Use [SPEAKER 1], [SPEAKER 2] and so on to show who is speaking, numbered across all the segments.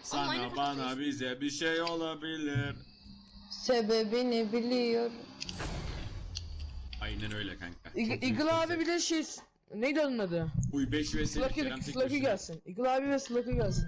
[SPEAKER 1] Sana bana bize bir şey olabilir.
[SPEAKER 2] Sebebini biliyorum.
[SPEAKER 1] Aynen öyle kanka.
[SPEAKER 3] Eagle abi bir de şey... Neydi onun adı?
[SPEAKER 1] Uy 5 vs Kerem tek
[SPEAKER 3] Slug'ı
[SPEAKER 1] başına.
[SPEAKER 3] gelsin. Eagle abi ve Slug'ı gelsin.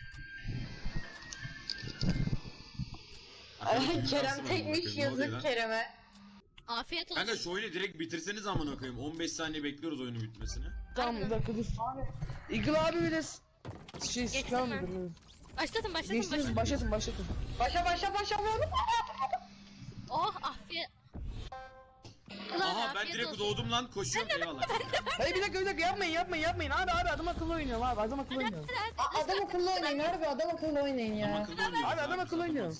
[SPEAKER 2] Kerem tekmiş, yazık Kerem'e.
[SPEAKER 4] Afiyet olsun.
[SPEAKER 1] Kanka şu oyunu direkt bitirseniz amına koyayım. 15 saniye bekliyoruz oyunun bitmesini.
[SPEAKER 3] Tamam bir dakika dur. Eagle abi bir de... Şey
[SPEAKER 4] Geçtim
[SPEAKER 3] tamam
[SPEAKER 4] ben.
[SPEAKER 3] dur.
[SPEAKER 4] Başlatın
[SPEAKER 3] Geçtiniz başlatın.
[SPEAKER 2] Başa.
[SPEAKER 4] Oh afiyet.
[SPEAKER 1] Aha ben direkt doğdum lan, koşuyorum eyvallah.
[SPEAKER 3] Hayır bir dakika yapmayın. Abi adam akıllı oynuyorum abi adam akıllı oynuyorum.
[SPEAKER 2] Adam akıllı oynayın harbi, adam akıllı oynayın ya.
[SPEAKER 3] Abi adam akıllı oynuyor.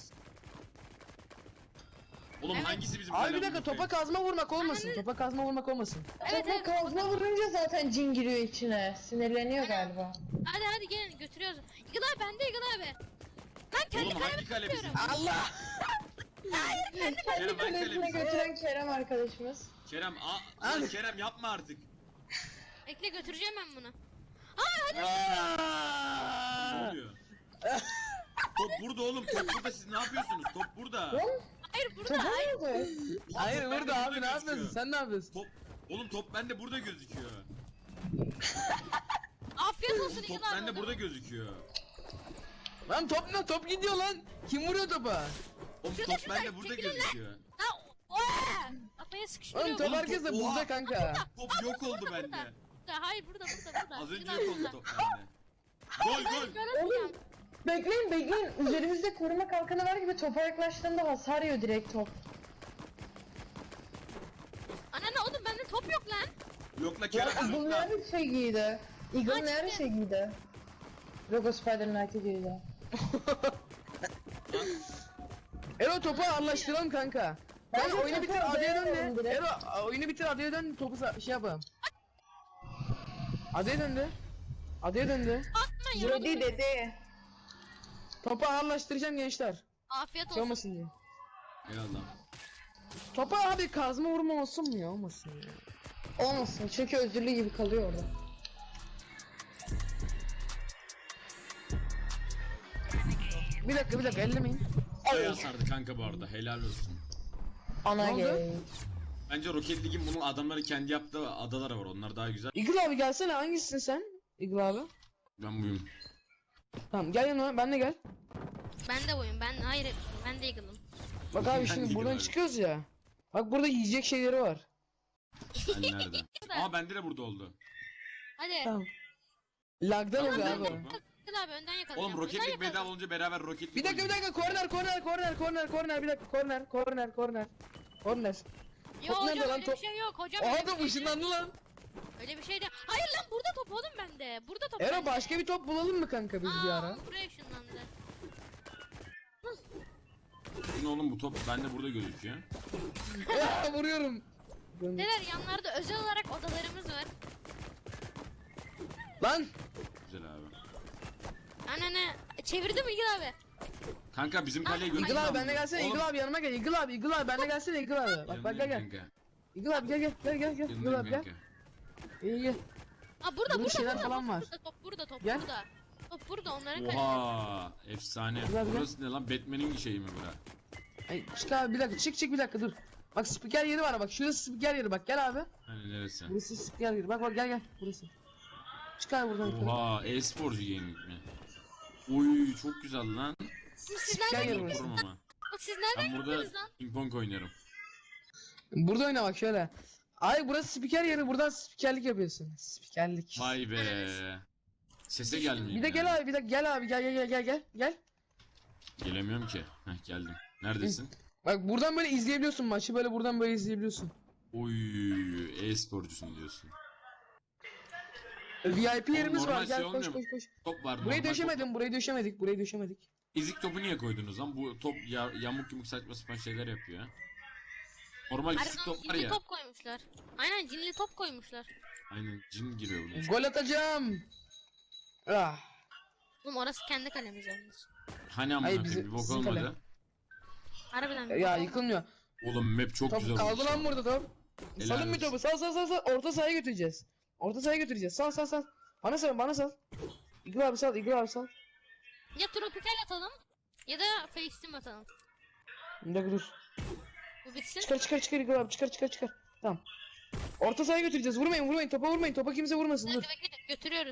[SPEAKER 1] Oğlum hangisi bizim
[SPEAKER 3] Abi bir dakika topa kazma vurmak olmasın. Topa kazma vurmak olmasın.
[SPEAKER 2] Topa kazma vurunca zaten cin giriyor içine. Sinirleniyor galiba.
[SPEAKER 4] Hadi gelin götürüyoruz. Eagle abi bende Eagle abi. Ben kendi
[SPEAKER 1] Oğlum hangi kale bizim?
[SPEAKER 3] Allah!
[SPEAKER 1] Kerem hangi kale
[SPEAKER 2] Kalesine
[SPEAKER 1] bizim?
[SPEAKER 2] götüren Kerem arkadaşımız.
[SPEAKER 1] Kerem lan Kerem yapma artık.
[SPEAKER 4] Bekle götüreceğim ben bunu.
[SPEAKER 1] Ne oluyor? Top burada oğlum, top burada, siz ne yapıyorsunuz? Top burada.
[SPEAKER 4] Hayır burada.
[SPEAKER 2] Topa
[SPEAKER 4] Hayır.
[SPEAKER 2] nerede?
[SPEAKER 3] Hayır
[SPEAKER 1] Top bende
[SPEAKER 3] burada abi ne
[SPEAKER 1] gözüküyor.
[SPEAKER 3] yapıyorsun? Sen ne yapıyorsun?
[SPEAKER 1] Top, oğlum top bende burada gözüküyor.
[SPEAKER 4] Afiyet olsun
[SPEAKER 1] Oğlum top
[SPEAKER 4] Eagle abi.
[SPEAKER 1] bende burada gözüküyor.
[SPEAKER 3] Lan top gidiyor lan. Kim vuruyor topa?
[SPEAKER 1] Oğlum
[SPEAKER 4] Şurada,
[SPEAKER 1] top
[SPEAKER 4] şurada,
[SPEAKER 1] bende burada
[SPEAKER 4] çekilin lan.
[SPEAKER 1] gözüküyor.
[SPEAKER 4] Kafaya
[SPEAKER 3] Oğlum
[SPEAKER 4] sıkıştırıyor.
[SPEAKER 3] top
[SPEAKER 1] Oğlum,
[SPEAKER 3] herkese
[SPEAKER 1] top-
[SPEAKER 3] bulacak
[SPEAKER 1] Oha.
[SPEAKER 3] kanka.
[SPEAKER 1] Top yok oldu bende.
[SPEAKER 4] Hayır burada.
[SPEAKER 1] Az önce
[SPEAKER 4] Eagle
[SPEAKER 1] yok
[SPEAKER 4] abi
[SPEAKER 1] oldu top bende. Gol.
[SPEAKER 2] Oğlum bekleyin. Üzerimizde koruma kalkanı var gibi topa yaklaştığında hasar yiyor direkt top.
[SPEAKER 4] Anne oğlum bende top yok lan.
[SPEAKER 1] Yok la
[SPEAKER 2] Ya
[SPEAKER 1] Kerem
[SPEAKER 2] Eagle
[SPEAKER 1] yok la.
[SPEAKER 2] nerede şey giydi? Eagle nerede şey giydi? Logo Spider-Man'e giydi.
[SPEAKER 3] Ero topu anlaştıralım kanka. Ben
[SPEAKER 2] Bence
[SPEAKER 3] oyunu
[SPEAKER 2] topu
[SPEAKER 3] bitir adaya dön
[SPEAKER 2] adaya
[SPEAKER 3] de.
[SPEAKER 2] direkt.
[SPEAKER 3] Ero oyunu bitir adaya dön topu şey yapalım. Adaya döndü. Adaya döndü.
[SPEAKER 4] Atma yoruldum.
[SPEAKER 2] dedi.
[SPEAKER 3] Topu anlaştıracağım gençler.
[SPEAKER 4] Afiyet
[SPEAKER 3] Şey
[SPEAKER 4] olsun.
[SPEAKER 3] olmasın diye.
[SPEAKER 1] Eyvallah.
[SPEAKER 3] Topa abi kazma vurma olsun mu ya? Olmasın ya.
[SPEAKER 2] Olmasın çünkü özürlü gibi kalıyor orada.
[SPEAKER 3] Bir dakika ellemeyin.
[SPEAKER 1] Bayağı sardı kanka bu arada, helal olsun.
[SPEAKER 2] Ana
[SPEAKER 3] Ne oldu?
[SPEAKER 2] gay.
[SPEAKER 1] Bence Rocket League'in bunun adamları kendi yaptığı adaları var, onlar daha güzel.
[SPEAKER 3] Eagle abi gelsene hangisisin sen? Eagle abi.
[SPEAKER 1] Ben buyum.
[SPEAKER 3] Tamam gel yanıma ben de gel.
[SPEAKER 4] Ben de boyum. Hayır ben de Eagle'ım.
[SPEAKER 3] Bak abi
[SPEAKER 1] Ben
[SPEAKER 3] şimdi
[SPEAKER 1] Eagle
[SPEAKER 3] buradan
[SPEAKER 1] abi.
[SPEAKER 3] çıkıyoruz ya. Bak burada yiyecek şeyleri var.
[SPEAKER 1] Ben nerede? Aa bende de burada oldu.
[SPEAKER 4] Hadi.
[SPEAKER 3] Tamam. Lagdan
[SPEAKER 1] Tamam,
[SPEAKER 3] oluyor
[SPEAKER 1] ben
[SPEAKER 3] abi.
[SPEAKER 1] de-
[SPEAKER 4] Eagle abi önden yakalayacağım.
[SPEAKER 1] Oğlum Rocket
[SPEAKER 4] Önden
[SPEAKER 1] League bedava
[SPEAKER 4] yakalayacağım.
[SPEAKER 1] olunca beraber Rocket
[SPEAKER 3] Bir
[SPEAKER 1] League
[SPEAKER 3] dakika korner bir dakika korner.
[SPEAKER 4] Yo
[SPEAKER 3] Top nerede
[SPEAKER 4] hocam
[SPEAKER 3] lan
[SPEAKER 4] öyle
[SPEAKER 3] top?
[SPEAKER 4] bir şey yok. Hocam
[SPEAKER 3] Oha
[SPEAKER 4] öyle bir
[SPEAKER 3] top
[SPEAKER 4] şey yok.
[SPEAKER 3] ışınlandı lan.
[SPEAKER 4] Öyle bir şey de. Hayır lan burada top oğlum bende. Burada top.
[SPEAKER 3] Ero
[SPEAKER 4] bende.
[SPEAKER 3] başka bir top bulalım mı kanka biz bir ara?
[SPEAKER 4] Buraya ışınlandı.
[SPEAKER 1] Ne oğlum bu top bende burada gözüküyor.
[SPEAKER 3] Ya, vuruyorum.
[SPEAKER 4] Neler yanlarda özel olarak odalarımız var.
[SPEAKER 3] Lan
[SPEAKER 1] Güzel abi.
[SPEAKER 4] Anne çevirdim Eagle abi.
[SPEAKER 1] Kanka bizim kaleye götür.
[SPEAKER 3] Eagle abi benle gelsene
[SPEAKER 1] Oğlum,
[SPEAKER 3] Eagle abi yanıma gel Eagle abi benle gelsene Eagle abi. Bak gel.
[SPEAKER 1] yanındayım kanka.
[SPEAKER 3] Eagle abi gel Eagle abi gel.
[SPEAKER 1] Yanındayım kanka.
[SPEAKER 3] İyi gel.
[SPEAKER 4] Burada
[SPEAKER 3] şeyler falan var.
[SPEAKER 4] Top
[SPEAKER 3] Gel.
[SPEAKER 4] burada. Top burada onların kalesi.
[SPEAKER 1] Oha efsane.
[SPEAKER 3] Güzel, güzel.
[SPEAKER 1] Burası ne lan, Batman'in şeyi mi bura?
[SPEAKER 3] Ay çık abi bir dakika çık bir dakika dur. Bak spiker yeri var bak şurası spiker yeri bak gel abi.
[SPEAKER 1] Hani neresi?
[SPEAKER 3] Burası spiker yeri bak gel burası. Çık abi buradan yukarı.
[SPEAKER 1] Oha e-sporcu gaming mi? Uy çok güzel lan.
[SPEAKER 4] Siz
[SPEAKER 3] Spiker
[SPEAKER 4] nereden
[SPEAKER 3] yeri
[SPEAKER 4] gittiniz?
[SPEAKER 3] burası.
[SPEAKER 1] Kurum ama.
[SPEAKER 4] Bak siz nereden
[SPEAKER 1] Ben burada
[SPEAKER 4] gittiniz lan?
[SPEAKER 1] ping pong oynarım.
[SPEAKER 3] Burada oyna bak şöyle. Ay burası spiker yeri buradan spikerlik yapıyorsun. Spikerlik.
[SPEAKER 1] Vay be. Sese gelmiyor.
[SPEAKER 3] Bir de gel abi bir de gel abi gel.
[SPEAKER 1] Gelemiyorum ki. Heh geldim. Neredesin?
[SPEAKER 3] Bak buradan böyle izleyebiliyorsun maçı böyle buradan böyle izleyebiliyorsun.
[SPEAKER 1] Oy e-sporcusun diyorsun.
[SPEAKER 3] VIP yerimiz
[SPEAKER 1] normal
[SPEAKER 3] var gel
[SPEAKER 1] şey
[SPEAKER 3] koş
[SPEAKER 1] olmuyor mu?
[SPEAKER 3] koş.
[SPEAKER 1] Top var.
[SPEAKER 3] Burayı
[SPEAKER 1] normal
[SPEAKER 3] döşemedim burayı döşemedik.
[SPEAKER 1] top. Ezik topu niye koydunuz lan? Bu top yamuk yumuk saçma sapan şeyler yapıyor ha. Normal ezik
[SPEAKER 4] Harbiden
[SPEAKER 1] top var
[SPEAKER 4] cinli
[SPEAKER 1] ya.
[SPEAKER 4] top koymuşlar. Aynen cinli top koymuşlar.
[SPEAKER 1] Aynen cin giriyor bunun.
[SPEAKER 3] Gol atacağım. Ah.
[SPEAKER 4] Oğlum orası kendi kalemiz yalnız.
[SPEAKER 1] Hani amına
[SPEAKER 3] Hayır,
[SPEAKER 1] koyayım bir bok
[SPEAKER 3] bizim
[SPEAKER 1] olmadı.
[SPEAKER 3] kale.
[SPEAKER 4] Harbiden.
[SPEAKER 3] Ya yıkılmıyor.
[SPEAKER 1] Oğlum map çok
[SPEAKER 3] Top
[SPEAKER 1] güzel
[SPEAKER 3] kaldı
[SPEAKER 1] olmuş.
[SPEAKER 3] lan burada top.
[SPEAKER 1] Helal
[SPEAKER 3] Salın bir
[SPEAKER 1] olsun.
[SPEAKER 3] topu sal. Orta sahaya götüreceğiz. Sal. Bana sal. Eagle abi sal.
[SPEAKER 4] Ya tropikal atalım ya da Facetime atalım.
[SPEAKER 3] Bir dakika dur.
[SPEAKER 4] Bu bitsin.
[SPEAKER 3] Çıkar İkbal abi çıkar. Tamam. Orta sahaya götüreceğiz. Vurmayın. Topa vurmayın. Topa kimse vurmasın. Dur.
[SPEAKER 4] Bekle, götürüyoruz.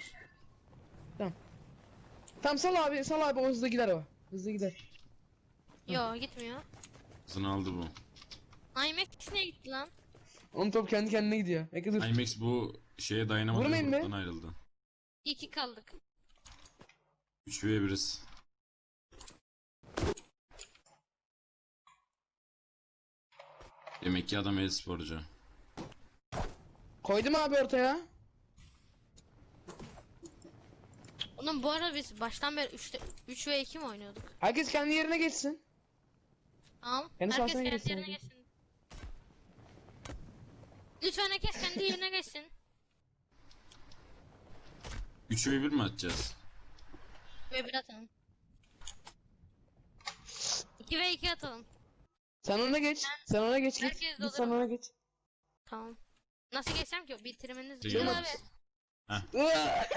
[SPEAKER 3] Tamam sal abi. O hızlı gider o. Hızlı gider.
[SPEAKER 4] Yo gitmiyor.
[SPEAKER 1] Hızını aldı bu.
[SPEAKER 4] IMAX niye gitti lan?
[SPEAKER 3] Onun top kendi kendine gidiyor. Bekle dur.
[SPEAKER 1] IMAX bu şeye dayanamadı.
[SPEAKER 3] Vurmayın be.
[SPEAKER 1] Gruptan ayrıldı.
[SPEAKER 4] 2 kaldık.
[SPEAKER 1] 3v1'iz. Demek ki adam e-sporcu.
[SPEAKER 3] Koydum abi ortaya.
[SPEAKER 4] Oğlum bu arada biz baştan beri 3 ve 2 mi oynuyorduk?
[SPEAKER 3] Herkes kendi yerine geçsin.
[SPEAKER 4] Tamam.
[SPEAKER 3] Kendi
[SPEAKER 4] Herkes
[SPEAKER 3] sahasına
[SPEAKER 4] kendi
[SPEAKER 3] geçsin
[SPEAKER 4] yerine
[SPEAKER 3] hadi.
[SPEAKER 4] geçsin. Lütfen herkes kendi yerine geçsin.
[SPEAKER 1] 3v1 mi atacağız?
[SPEAKER 4] Ve 1 atalım. 2 ve 2 atalım.
[SPEAKER 3] Sen ona geç. Git.
[SPEAKER 4] Herkes
[SPEAKER 3] Git
[SPEAKER 4] olur
[SPEAKER 3] sen
[SPEAKER 4] mu?
[SPEAKER 3] ona geç.
[SPEAKER 4] Tamam. Nasıl geçsem ki? Bitirmeniz
[SPEAKER 1] Şey
[SPEAKER 4] lazım
[SPEAKER 1] yapalım.
[SPEAKER 4] abi.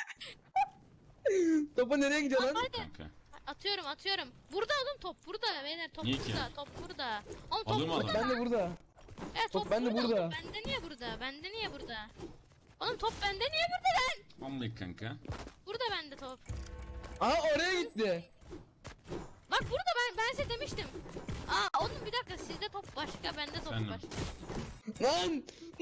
[SPEAKER 3] Topa nereye gidiyor lan?
[SPEAKER 1] Kanka.
[SPEAKER 4] Atıyorum. Burada oğlum top burada. Beyler top
[SPEAKER 1] Niye ki?
[SPEAKER 4] burada. Top burada. Oğlum top
[SPEAKER 1] Alır mı
[SPEAKER 4] burada.
[SPEAKER 1] adam?
[SPEAKER 3] Ben de burada.
[SPEAKER 4] Evet,
[SPEAKER 3] Top bende
[SPEAKER 4] burada.
[SPEAKER 3] burada.
[SPEAKER 4] Oğlum, bende niye burada? Oğlum top bende niye burada lan?
[SPEAKER 1] Vallahi kanka.
[SPEAKER 4] Burada bende top.
[SPEAKER 3] Aha oraya gitti.
[SPEAKER 4] Bak burada ben size demiştim. Aa oğlum bir dakika sizde top başka bende top
[SPEAKER 1] Efendim?
[SPEAKER 4] başka.
[SPEAKER 3] Lan.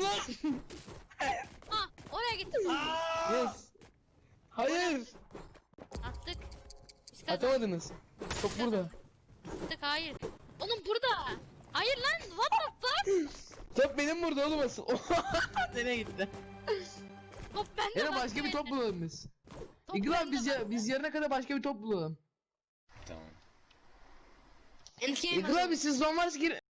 [SPEAKER 4] Ha oraya gitti.
[SPEAKER 3] Yes. Hayır.
[SPEAKER 4] Attık. Biz kazandık
[SPEAKER 3] Atamadınız. Top burada.
[SPEAKER 4] hayır. Oğlum burada. Hayır lan what the fuck?
[SPEAKER 3] Top benim burada oğlum asıl. Nereye gitti?
[SPEAKER 4] Top bende.
[SPEAKER 3] Yine
[SPEAKER 4] bak
[SPEAKER 3] başka bir top
[SPEAKER 4] bende.
[SPEAKER 3] bulalım biz.
[SPEAKER 4] Top
[SPEAKER 3] İkbal
[SPEAKER 4] bende,
[SPEAKER 3] abi
[SPEAKER 4] bak.
[SPEAKER 3] biz yarına kadar başka bir top bulalım.
[SPEAKER 1] Tamam.
[SPEAKER 4] Endgame
[SPEAKER 3] İkbal abi siz zon varsa gir.